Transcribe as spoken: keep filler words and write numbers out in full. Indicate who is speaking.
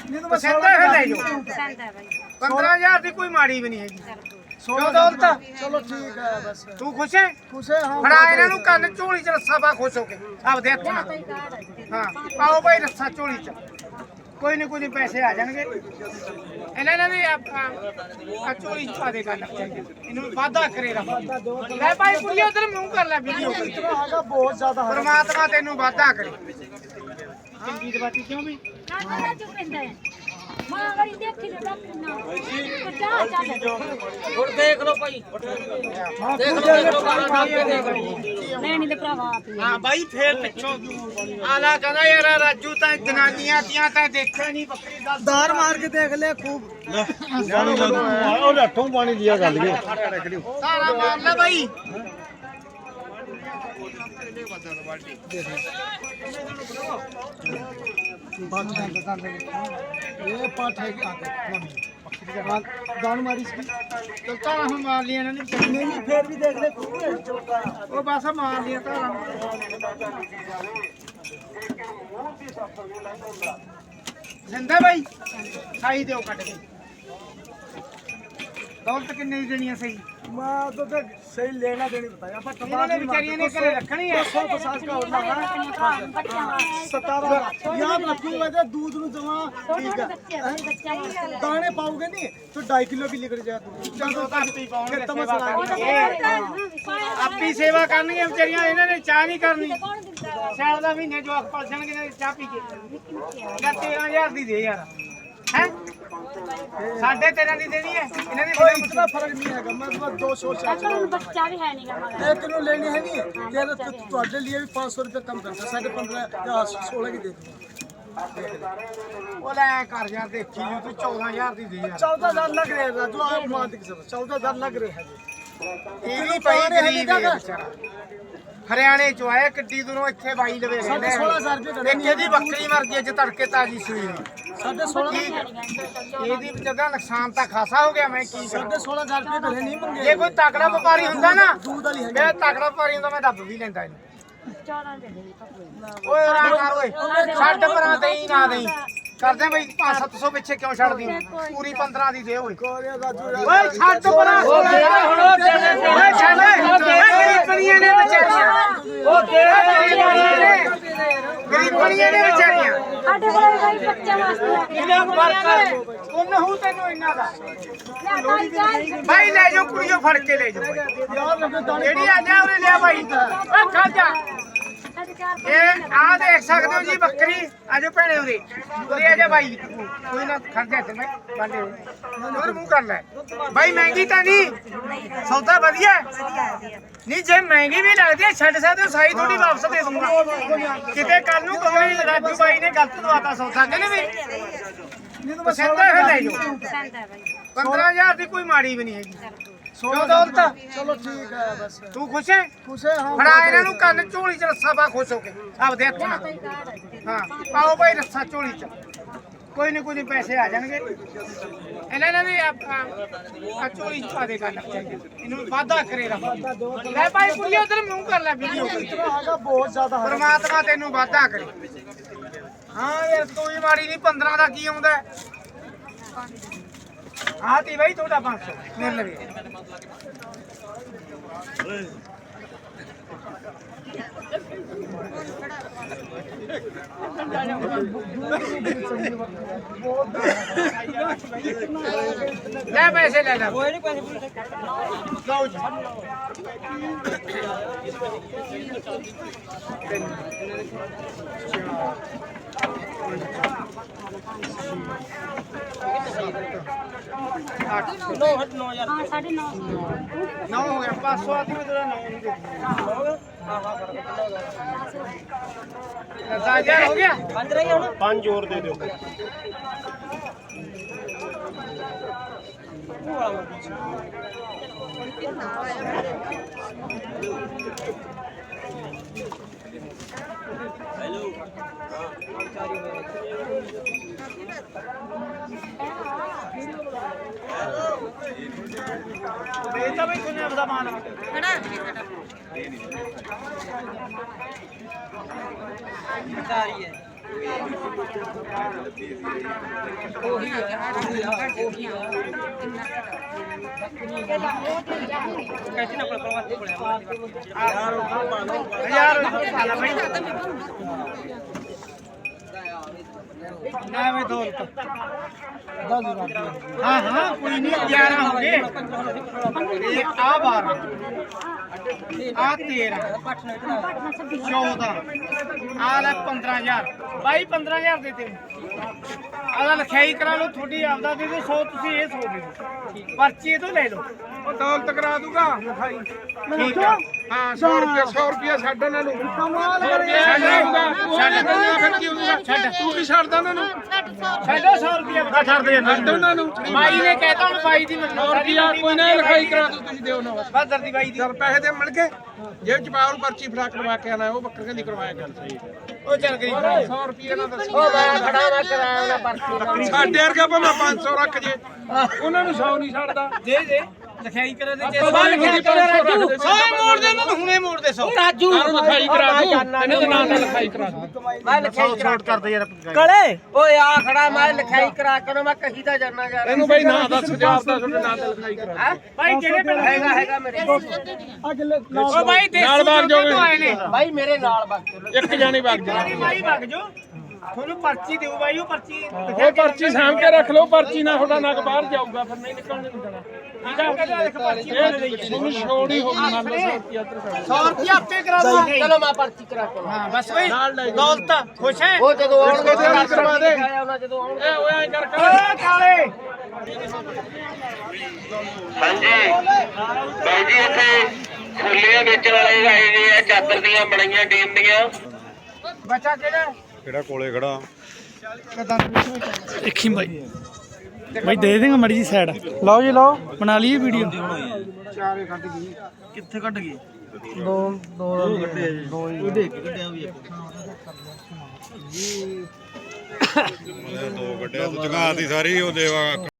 Speaker 1: पसंद है ले जाओ पंद्रह हजार की कोई माड़ी भी नहीं है क्यों दौलत
Speaker 2: चलो ठीक है बस
Speaker 1: तू खुश है
Speaker 2: खुश है हाँ
Speaker 1: फड़ा इन्हां नूं कंन झोली च रस्सा पा खुश हो के आपदे हत्थ नाल हां पाओ भाई रस्सा झोली च कोई नहीं कोई नहीं पैसे आ जाएंगे इन्हां ने आ झोली च पा दे कंन इन्हूं वादा करेगा ले भाई कुड़िए उधर मुंह कर ले वीडियो
Speaker 2: इतना आगा बहुत ज्यादा है
Speaker 1: परमात्मा तेनू वादा करे चंगी दवाती क्यों भी
Speaker 3: ना चुप रहंदा है मां गरी देखी ले डॉक्टर ना पचास चाल
Speaker 4: और देख लो भाई देख लो देख लो कहां काम पे देख लो
Speaker 3: ਲੈਣੀ ਤੇ ਭਰਾਵਾ ਆਪ ਹੀ
Speaker 1: हाँ भाई फिर पिछों आला कहना यार राजू ता जनानियां तियां ता देखिया नहीं बकरी दा
Speaker 2: दार मार के देख ले खूब
Speaker 5: ਉਹਨੇ ਹੱਥੋਂ ਪਾਣੀ ਲਿਆ ਗੱਲ ਕੇ
Speaker 1: तारा मार ले भाई
Speaker 2: ये पाठ है आगे दान मारी इसकी
Speaker 1: चलता हम मार लिया ना नहीं
Speaker 2: नहीं नहीं फिर भी देख ले खूब है चौका
Speaker 1: वो बस मार लिया तारा जिंदा भाई खाई दो कट के दौलत कितनी देनी है सही
Speaker 2: मैं तो देख सही लेना देनी बताया पर
Speaker 1: इन्होंने बेचारियों ने करे रखनी है
Speaker 2: सौ पचास का होना है सतारह यहाँ रखूंगा तो दूध में जमा ठीक है दाने पाओगे नहीं तो ढाई किलो भी लेकर जाए
Speaker 1: आपकी सेवा करनी है बेचारियां इन्होंने चाह नहीं करनी साल का महीने जो पल जाएंगे चाह पी के तेरह हजार दी दे यार है साढ़े तेरह दी देनी है इन्होंने
Speaker 2: कोई इतना फर्क नहीं है मैं तो दो सौ चार
Speaker 3: ਅਕਲ ਨੂੰ ਬੱਚਾ ਵੀ ਹੈ ਨਹੀਂਗਾ ਮਗਰ
Speaker 2: एक किलो लेनी है नहीं तेरे तो तुम्हारे लिए भी पाँच सौ रुपये कम करता साढ़े पंद्रह या सोलह की दे दूँगा
Speaker 1: वो ले कर यार देखी जो तू चौदह हजार दी दे यार
Speaker 2: चौदह हजार लग रहे हैं राजू आप मान के सब चौदह हजार लग रहे हैं
Speaker 1: ਇਹਦੀ ਪਈ ਗਰੀਬ ਹੈ ਵਿਚਾਰਾ ਹਰਿਆਣੇ ਚੋਂ ਆਇਆ ਕਿੱਡੀ ਦੂਰੋਂ ਇੱਥੇ ਬਾਈ ਲਵੇ
Speaker 2: साढ़े सोलह हजार रुपये
Speaker 1: ਇੱਕ ਇਹਦੀ ਬੱਕਰੀ ਮਰ ਗਈ ਅੱਜ ਤੜਕੇ ਤਾਜੀ ਸੂਈ ਨੂੰ
Speaker 2: साढ़े सोलह
Speaker 1: ਇਹਦੀ ਵਿਚਾਰਾ ਨੁਕਸਾਨ ਤਾਂ ਖਾਸਾ ਹੋ ਗਿਆ ਮੈਂ ਕੀ ਕਰਾਂ
Speaker 2: साढ़े सोलह हजार रुपये घरे नहीं मंगे
Speaker 1: ਜੇ ਕੋਈ ਤਕੜਾ ਵਪਾਰੀ ਹੁੰਦਾ ਨਾ
Speaker 2: दूध वाली है
Speaker 1: ਮੈਂ ਤਕੜਾ ਵਪਾਰੀ ਹੁੰਦਾ ਮੈਂ ਦੱਬ ਵੀ ਲੈਂਦਾ ਇਹਨੂੰ
Speaker 3: ਚੌਦਾਂ ਦੇ ਦੇ ਪਕੜੇ
Speaker 1: ਓਏ ਰਾ ਕਰ ਓਏ ਛੱਡ ਪਰਾਂ ਦੇਈ ਨਾ ਦੇਈ ਕਰਦੇ ਬਈ ਪੰਜ ਸੱਤ ਸੌ ਪਿੱਛੇ ਕਿਉਂ ਛੱਡਦੀ ਪੂਰੀ ਪੰਦਰਾਂ ਦੀ ਦੇ ਓਏ
Speaker 2: राजू
Speaker 1: ਓਏ ਛੱਡ ਪਰਾਂ ਓਏ ਛੱਡ ਗਰੀਬਣੀਆਂ ਨੇ ਵਿਚਾਰੀਆਂ ਉਹ ਦੇ ਗਰੀਬਣੀਆਂ ਨੇ ਵਿਚਾਰੀਆਂ
Speaker 3: ਸਾਡੇ ਕੋਲ ਵੀ ਭਾਈ ਬੱਚਾ ਵਾਸਤੇ
Speaker 1: ਇਹਨਾਂ ਫਰਕ ਉਹਨ ਹੂ ਤੈਨੂੰ ਇਹਨਾਂ ਦਾ
Speaker 3: ਲੈ ਤਾਈ ਚਾਲ
Speaker 1: ਭਾਈ ਲੈ ਜਾਓ ਕੁੜੀਓ ਫੜ ਕੇ ਲੈ ਜਾਓ ਭਾਈ ਜਿਹੜੀ ਆ ਜਾ ਉਹਨੇ ਲਿਆ ਭਾਈ ਓ ਖਾ ਜਾ
Speaker 3: ਸਾਡੇ ਚਾਰ
Speaker 1: ਇਹ ਆ ਦੇਖ ਸਕਦੇ ਹੋ ਜੀ ਬੱਕਰੀ ਆਜੋ ਭੈਣੇ ਉਰੇ ਉਰੇ ਆ ਜਾ ਭਾਈ ਕੋਈ ਨਾ ਖੜ ਜਾ ਤੇ ਮੈਂ ਬਾਂਡੇ ਉਧਰ ਮੂੰਹ ਕਰ ਲੈ ਭਾਈ ਮਹਿੰਗੀ ਤਾਂ ਨਹੀਂ ਸੌਦਾ ਵਧੀਆ ਨਹੀਂ ਜੇ ਮਹਿੰਗੀ ਵੀ ਲੱਗਦੀ ਹੈ ਛੱਡ ਸਕਦੇ ਹੋ ਸਾਈ ਥੋੜੀ ਵਾਪਸ ਦੇ ਦੂੰਗਾ ਕਿਤੇ ਕੱਲ ਨੂੰ ਕੋਈ ਰਾਜੂ ਭਾਈ ਨੇ ਗਲਤ ਦਵਾਤਾ ਸੌਦਾ ਕਹਿੰਦੇ ਵੀ ਪਸੰਦ ਹੈ ਲੈ ਜਾਓ
Speaker 3: ਪਸੰਦ ਹੈ ਭਾਈ
Speaker 1: पंद्रह हजार की कोई माड़ी भी नहीं है क्यों दौलत
Speaker 2: चलो ठीक है बस
Speaker 1: तू खुश है
Speaker 2: खुश है हाँ
Speaker 1: फड़ा इन्हां नूं कंन झोली च रस्सा पा खुश हो के आपदे हत्थ नाल हां पाओ भाई रस्सा झोली च कोई नहीं कोई नहीं पैसे आ जाएंगे इन्हां ने आ झोली च पा दे कंन इन्हूं वादा करेगा ले भाई कुड़िए उधर मुंह कर ले वीडियो
Speaker 2: इतना आगा बहुत ज्यादा है
Speaker 1: परमात्मा तेनू वादा करे हां यार तू ही माड़ी नहीं पंद्रह दा की आउंदा हाँ थी भाई थोड़ा पाँच सौ मेरे लगे ले पैसे ले ले कोई नहीं पैसे लो जी आठ
Speaker 4: नौ हट नौ यार
Speaker 3: ਹਾਂ ਸਾਢੇ नौ
Speaker 1: नौ हो गया पाँच सौ आती में तेरा नौ नहीं देती दस हजार हो गया
Speaker 4: पंज रही है ना
Speaker 5: ਪੰਜ ਹੋਰ ਦੇ ਦਿਓ
Speaker 1: बेचा भाई तूने अपना मान
Speaker 4: बता रही है ਉਹੀ ਆ ਉਹੀ ਆ ਉਹੀ ਆ
Speaker 1: ਹਜ਼ਾਰ ਪਾਲਾ ਬਾਈ ਐਵੇਂ ਦੌਲਤ ਹਾਂ ਹਾਂ ਕੋਈ ਨਹੀਂ ਗਿਆਰਾਂ ਹੋ ਗਏ ਇਹ ਆ ਬਾਰਾਂ ਆ ਤੇਰਾਂ ਚੌਦਾਂ ਆ ਲੈ ਪੰਦਰਾਂ ਹਜ਼ਾਰ ਬਾਈ ਪੰਦਰਾਂ ਹਜ਼ਾਰ ਦੇ ਦੇ ਆਦਾ ਲਿਖਾਈ ਕਰਾ ਲਓ ਤੁਹਾਡੀ ਆਪਦਾ ਦੇ ਦਿਓ ਸੌ ਤੁਸੀਂ ਇਹ ਸੌ ਦੇ ਦਿਓ ਪਰਚੀ ਇਹ ਤੋਂ ਲੈ ਲਓ ਉਹ ਦੌਲਤ ਕਰਾ ਦੂਗਾ ਲਿਖਾਈ ਠੀਕ ਆ ਹਾਂ ਸੌ ਰੁਪਏ ਸੌ ਰੁਪਏ ਛੱਡ ਉਹਨਾਂ ਨੂੰ
Speaker 2: ਕਮਾਲ
Speaker 1: ਛੱਡ ਦਊਗਾ ਛੱਡ ਦਊਗਾ ਫਿਰ ਕੀ ਹੋਊਗਾ ਛੱਡ ਤੂੰ ਕੀ ਛੱਡਦਾ ਉਹਨਾਂ ਨੂੰ ਛੱਡੋ ਸੌ ਰੁਪਏ ਛੱਡ ਦੇ ਛੱਡ ਉਹਨਾਂ ਨੂੰ ਬਾਈ ਨੇ ਕਹਿਤਾ ਹੁਣ ਬਾਈ ਦੀ ਮੰਨੋ ਸੌ ਰੁਪਿਆ ਕੋਈ ਨਾ ਲਿਖਾਈ ਕਰਾ ਦੋ ਤੁਸੀਂ ਦਿਓ ਨਾ ਬਸ ਦਰਦੀ ਬਾਈ ਦੀ ਪੈਸੇ ਦੇ ਮਿਲ ਗਏ ਜੇਬ ਚ ਪਾਉਣ ਪਰਚੀ ਫੜਾ ਕਰਵਾ ਕੇ ਆਣਾ ਉਹ ਬੱਕਰੀਆਂ ਦੀ ਕਰਵਾਇਆ ਗੱਲ ਸਹੀ ਉਹ ਚੱਲ ਗਈ ਸੌ ਰੁਪਏ ਨਾਲ ਦੱਸੋ ਉਹ ਮੈਂ ਖੜਾ ਨਾ ਕਰਾਇਆ ਪਰਚੀ ਸਾਡੇ ਵਰਗਾ ਭਾਵੇਂ ਪੰਜ ਸੌ ਰੱਖ ਜੇ ਉਹਨਾਂ ਨੂੰ ਸੌ ਨਹੀਂ ਛੱਡਦਾ ਦੇ ਦੇ ਲਿਖਾਈ ਕਰਾ ਦੇ ਜੇ ਸੌ ਲਿਖਾਈ ਕਰਾ ਰਾਜੂ ਸੌ ਮੋੜ ਦੇ ਉਹਨੂੰ ਹੁਣੇ ਮੋੜ ਦੇ ਸੌ ਰਾਜੂ ਲਿਖਾਈ ਕਰਾ ਦੂ ਇਹਨਾਂ ਦੇ ਨਾਂ ਨਾਲ ਲਿਖਾਈ ਕਰਾ ਦੂ ਮੈਂ ਲਿਖਾਈ ਛੋਟ ਕਰਦੇ ਯਾਰ
Speaker 4: ਕਲੇ ਓਏ ਆ ਖੜਾ ਮੈਂ ਲਿਖਾਈ ਕਰਾ ਕੇ ਮੈਂ ਕਹੀ ਦਾ ਜਾਨਾ ਯਾਰ
Speaker 1: ਇਹਨੂੰ ਬਾਈ ਨਾਂ ਦੱਸ ਪੰਜਾਬ ਦਾ ਤੁਹਾਡੇ ਨਾਂ ਤੇ ਲਿਖਾਈ ਕਰਾ ਬਾਈ ਕਿਹੜੇ ਪਿੰਡ
Speaker 4: ਹੈਗਾ ਹੈਗਾ ਮੇਰੇ
Speaker 2: ਅਗਲੇ
Speaker 1: ਉਹ ਬਾਈ ਦੇਸੀ ਬਾਗ ਜੋ ਆਏ ਨੇ
Speaker 4: ਬਾਈ ਮੇਰੇ ਨਾਲ ਵਗ
Speaker 1: ਇੱਕ ਜਾਣੀ ਬਾਗ ਜਾ ਬਾਈ ਵਗ ਜੋ ਤੁਹਾਨੂੰ ਪਰਚੀ ਦਿਓ ਬਾਈ ਉਹ ਪਰਚੀ ਉਹ ਪਰਚੀ ਸਾਂਭ ਕੇ ਰੱਖ ਲਓ ਪਰਚੀ ਨਾਲ ਤੁਹਾਡਾ ਨੱਕ ਬਾਹਰ ਜਾਊਗਾ ਫਿਰ ਨਹੀਂ ਨਿਕਲਣ ਨਹੀਂ ਦੇਣਾ ਠੀਕ ਆ ਦੇਖ ਪਰਚੀ ਤੁਹਾਨੂੰ ਛੋੜੀ ਹੋ ਗਈ ਮੰਨ ਲਓ ਸੌ ਰੁਪਏ ਆਪੇ ਕਰਾ ਦੋ
Speaker 4: ਚਲੋ ਮੈਂ ਪਰਚੀ ਕਰਾ ਕੇ
Speaker 1: ਹਾਂ ਬਸ ਓਏ ਦੌਲਤ ਖੁਸ਼ ਹੈ
Speaker 4: ਉਹ ਜਦੋਂ ਆਉਣਗੇ
Speaker 1: ਤੇ ਕਰਵਾ ਦੇ
Speaker 4: ਉਹਨਾਂ ਜਦੋਂ ਆਉਣਗੇ
Speaker 1: ਏ ਓਏ ਐਂ ਕਰ ਕਰ ਕਾਲੇ
Speaker 6: ਹਾਂਜੀ ਬਾਈ ਜੀ ਇੱਥੇ ਖੁੱਲੀਆਂ ਵੇਚਣ ਵਾਲੇ ਆਏ ਨੇ ਆ ਚਾਦਰ ਦੀਆਂ ਬਣਾਈਆਂ ਟੀਮ ਦੀਆਂ
Speaker 1: ਬੱਚਾ ਕਿਹੜਾ
Speaker 5: ਕਿਹੜਾ ਕੋਲੇ ਖੜਾ
Speaker 7: ਦੇਖੀ ਬਾਈ ਬਾਈ ਦੇ ਦੇਗਾ ਮੜੀ ਜੀ ਸਾਈਡ ਲਓ ਜੀ ਲਓ ਬਣਾ ਲਈਏ ਵੀਡੀਓ
Speaker 1: ਚਾਰੇ ਕੱਢ ਗਈ
Speaker 7: ਕਿੱਥੇ ਕੱਢ ਗਈ
Speaker 2: ਦੋ ਦੋ
Speaker 5: ਕੱਢਿਆ ਜੀ
Speaker 7: ਦੋ ਹੀ ਦੇਖ ਕੱਢਿਆ ਵੀ
Speaker 5: ਦੋ ਕੱਢਿਆ ਤੂੰ ਜਗਾਤੀ ਸਾਰੀ ਉਹ ਦੇਵਾ